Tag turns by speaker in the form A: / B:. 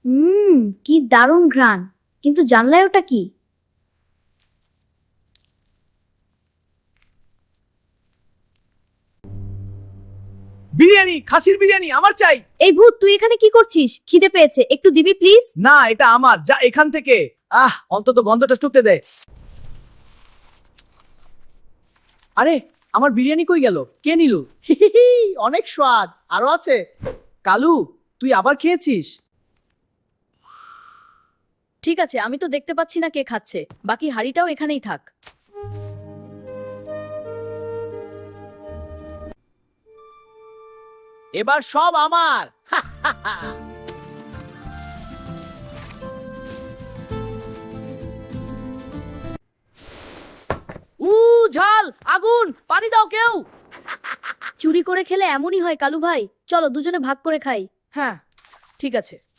A: কি দারুণ ঘ্রাণ, কিন্তু জানলায় ওটা কি?
B: বিরিয়ানি, খাসির বিরিয়ানি আমার চাই।
A: এই ভূত, তুই এখানে কি করছিস? খিদে পেয়েছে, একটু দিবি প্লিজ?
B: না, এটা আমার, যা এখান থেকে। অন্তত গন্ধটা টুকতে দে। আরে, আমার বিরিয়ানি কই গেল? কে নিল? অনেক স্বাদ, আরো আছে। কালু, তুই আবার খেয়েছিস?
A: ঠিক আছে, আমি তো দেখতে পাচ্ছি না কে খাচ্ছে, বাকি হাঁড়িটাও এখানেই থাক।
B: এবার সব আমার। ঝাল, আগুন, পানি দাও কেউ।
A: চুরি করে খেলে এমনই হয় কালু ভাই, চলো দুজনে ভাগ করে খাই।
B: হ্যাঁ, ঠিক আছে।